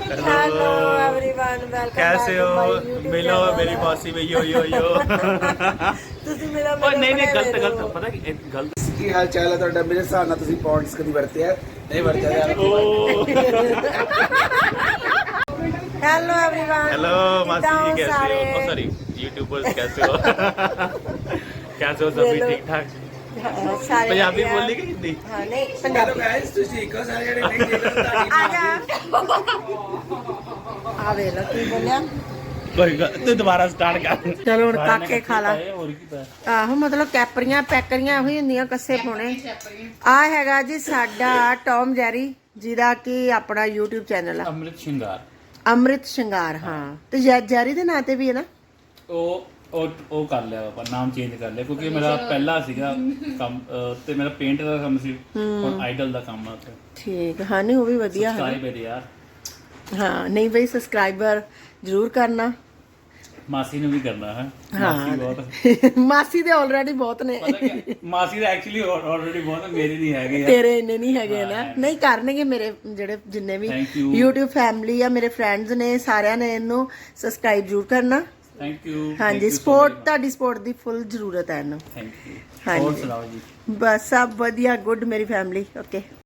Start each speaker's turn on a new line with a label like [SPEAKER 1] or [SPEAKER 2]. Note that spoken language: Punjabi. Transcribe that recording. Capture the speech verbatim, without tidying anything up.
[SPEAKER 1] Hello everyone, welcome.
[SPEAKER 2] कैसे हो? मिलो मेरी मौसी में यो यो यो।
[SPEAKER 1] ਤੁਸੀਂ ਮੇਰਾ
[SPEAKER 2] ਓਏ ਨਹੀਂ ਨਹੀਂ ਗਲਤ ਗਲਤ ਪਤਾ ਕੀ ਗਲਤ
[SPEAKER 3] ਕੀ ਹਾਲ ਚਾਲ ਹੈ ਤੁਹਾਡਾ? ਮੇਰੇ ਹਿਸਾਬ ਨਾਲ ਤੁਸੀਂ ਪੌਂਡਸ ਕਦੀ ਵਰਤਿਆ ਨਹੀਂ ਵਰਤਿਆ ਯਾਰ।
[SPEAKER 1] हेलो एवरीवन,
[SPEAKER 2] हेलो मासी जी कैसे हो? ओ सॉरी यूट्यूबर्स कैसे हो? कैसे हो सभी ठीक ठाक?
[SPEAKER 1] सारे
[SPEAKER 2] पंजाबी बोली कि हिंदी?
[SPEAKER 1] हाँ नहीं पंजाबी।
[SPEAKER 3] ਗਾਇਸ ਤੁਸੀਂ ਇੱਕੋ ਸਾਰੇ ਜਿਹੜੇ ਨਹੀਂ ਦੇਖਦੇ ਤੁਹਾਡੀ
[SPEAKER 1] आजा आ वे लो की बोलिया।
[SPEAKER 2] कोई तू दोबारा स्टार्ट कर।
[SPEAKER 1] चलो हुण काके खा ला।
[SPEAKER 2] और की पता
[SPEAKER 1] ਆਹੋ ਮਤਲਬ ਕੈਪਰੀਆਂ ਪੈਕਰੀਆਂ ਉਹੀ ਹੁੰਦੀਆਂ ਕੱਸੇ ਪਾਉਣੇ। ਆ ਹੈਗਾ ਜੀ ਸਾਡਾ ਟੌਮ ਜੈਰੀ, ਜਿਹਦਾ ਕਿ ਆਪਣਾ YouTube ਚੈਨਲ ਆ
[SPEAKER 2] अमृत श्रृंगार।
[SPEAKER 1] ਅੰਮ੍ਰਿਤ ਸ਼ਿੰਗਾਰ। ਹਾਂ ਤੇ ਜੈ- ਜੈਰੀ ਦੇ ਨਾਂ ਤੇ ਵੀ ਹੈ ਨਾ।
[SPEAKER 2] ਉਹ ਉਹ ਉਹ ਕਰ ਲਿਆ ਆਪਾਂ ਨਾਮ ਚੇਂਜ ਕਰ ਲਿਆ ਕਿਉਂਕਿ ਮੇਰਾ ਪਹਿਲਾ ਸੀਗਾ ਕੰਮ ਅਹ, ਤੇ ਮੇਰਾ ਪੇਂਟ ਦਾ ਕੰਮ ਸੀ। ਹੁਣ ਆਈਡਲ ਦਾ ਕੰਮ ਆ ਤੇ
[SPEAKER 1] ਠੀਕ ਹਾਂ, ਨਹੀਂ ਉਹ ਵੀ ਵਧੀਆ ਹੈ।
[SPEAKER 2] ਸਬਸਕ੍ਰਾਈਬ ਹੈ ਯਾਰ।
[SPEAKER 1] ਹਾਂ ਨਹੀਂ ਬਈ, ਸਬਸਕ੍ਰਾਈਬਰ ਜ਼ਰੂਰ ਕਰਨਾ।
[SPEAKER 2] ਮਾਸੀ ਨੂੰ ਵੀ ਕਰਨਾ ਹੈ।
[SPEAKER 1] ਹਾਂ
[SPEAKER 2] ਮਾਸੀ ਬਹੁਤ
[SPEAKER 1] ਮਾਸੀ ਦੇ ਆਲਰੇਡੀ ਬਹੁਤ ਨੇ,
[SPEAKER 2] ਪਤਾ ਕੀ ਮਾਸੀ ਦਾ ਐਕਚੁਅਲੀ ਆਲਰੇਡੀ ਬਹੁਤ ਹੈ, ਮੇਰੀ ਨਹੀਂ ਹੈਗੇ ਯਾਰ।
[SPEAKER 1] ਤੇਰੇ ਇੰਨੇ ਨਹੀਂ ਹੈਗੇ ਨਾ। ਨਹੀਂ ਕਰਨਗੇ ਮੇਰੇ ਜਿਹੜੇ ਜਿੰਨੇ ਵੀ
[SPEAKER 2] Thank you.
[SPEAKER 1] YouTube ਫੈਮਿਲੀ ਆ, ਮੇਰੇ ਫਰੈਂਡਸ ਨੇ, ਸਾਰਿਆਂ ਨੇ ਇਹਨੂੰ ਸਬਸਕ੍ਰਾਈਬ ਜ਼ਰੂਰ ਕਰਨਾ।
[SPEAKER 2] Thank you.
[SPEAKER 1] ਹਾਂਜੀ, ਸਪੋਰਟ ਤੁਹਾਡੀ ਸਪੋਰਟ ਦੀ ਫੁੱਲ ਜ਼ਰੂਰਤ ਹੈ ਇਹਨੂੰ।
[SPEAKER 2] Thank you.
[SPEAKER 1] ਹਾਂਜੀ।
[SPEAKER 2] ਹੋਰ ਸੁਣਾਓ ਜੀ?
[SPEAKER 1] ਬਸ ਸਭ ਵਧੀਆ, ਗੁੱਡ ਮੇਰੀ ਫੈਮਿਲੀ। ਓਕੇ।